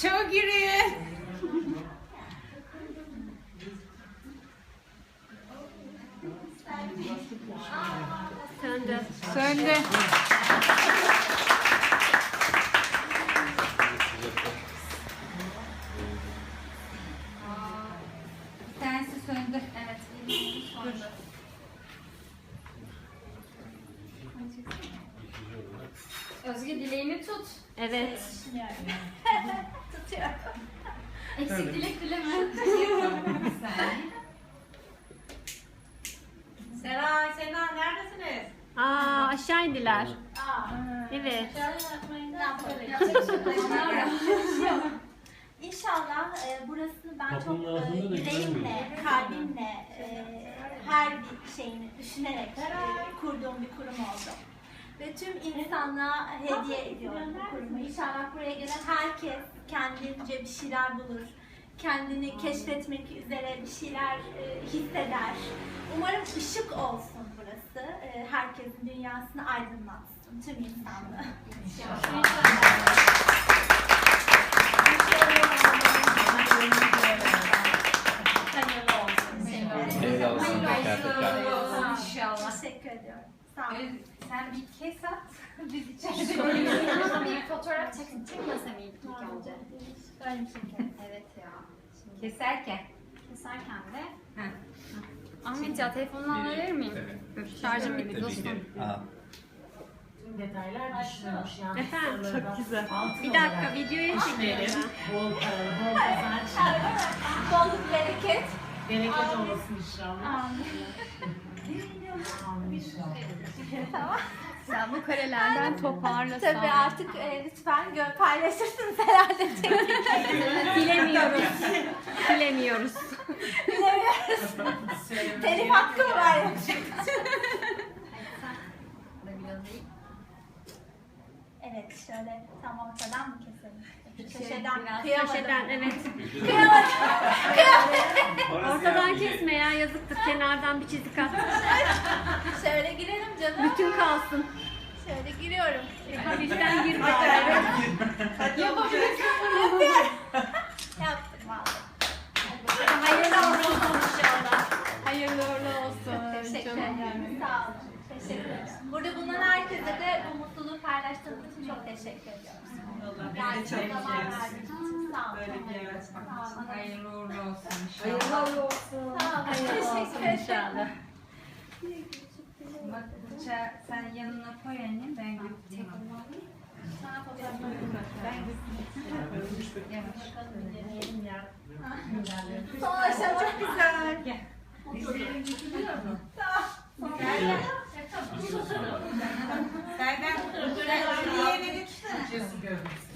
Çabuk yürüyün. Söndü. Söndü. Bir tanesi söndü. Evet. Dur. Özge dileğini tut. Evet. Tutuyorum. Eksik dilek dileme. Seray, Sena neredesiniz? Aa, aşağı indiler. Evet. İnşallah burasını ben çok Kapının ağzında da yüreğimle, kalbimle, her bir şeyini düşünerek kurduğum bir kurum oldu. Ve tüm insanlığa hediye ediyorum bu kurumu. İnşallah buraya gelen herkes kendince bir şeyler bulur. Kendini keşfetmek üzere bir şeyler hisseder. Umarım ışık olsun burası. Herkesin dünyasını aydınlatsın. Tüm insanlığı. Hayırlı olsun. Hayırlı olsun inşallah. Teşekkür ediyorum. Sağ olun. Sen bir kes at. Biz içeride Bir fotoğraf çekmesem iyi ilk önce. Böyle bir şeker. Evet ya. Şimdi keserken. keserken de. Ha. Ahmet ya telefonunu verir miyim? Şarjım bitti dostum. Tüm detaylar düşünülmüş yani. Efendim? Çok güzel. Bir dakika videoya çekiyorum. Bol para, bol kazanç. Bolluk, bereket. Bereket olsun inşallah. Amin. Amin inşallah. Tamam. Sen bu karelerden toparlasan. Tabii artık lütfen paylaşırsınız herhalde. Bilemiyoruz. Bilemiyoruz. Telif hakkı mı var? Evet şöyle tam ortadan mı keselim? Köşeden Biraz kıyamadım. köşeden evet. Kıyamadım. Ortadan kesme ya yazıktır. Kenardan bir çizik at. Şöyle girelim canım. Bütün kalsın. Şöyle giriyorum. Hafiften gir bari. Yapıyorum. Yaptım vallahi. Hayırlı olsun inşallah. Hayırlı uğurlu olsun. Teşekkür ederim. Sağ olun. Teşekkür ederim. Burada bulunan herkese de bu mutluluğu paylaştığınız için çok teşekkür ediyorum. Yani çok zaman verdiğiniz için sağ olun. Sağ olun. Hayırlı uğurlu olsun inşallah. Hayırlı olsun. Sağ olun. Teşekkür ederim. Bak bıçağı sen yanına koy annem, ben götüreyim. Sana fotoğrafını Ben götüreyim. Yavaş. Son aşama çok güzel. Gel. Tamam. Serdar, sen diğerine götürsene. Cesi görmek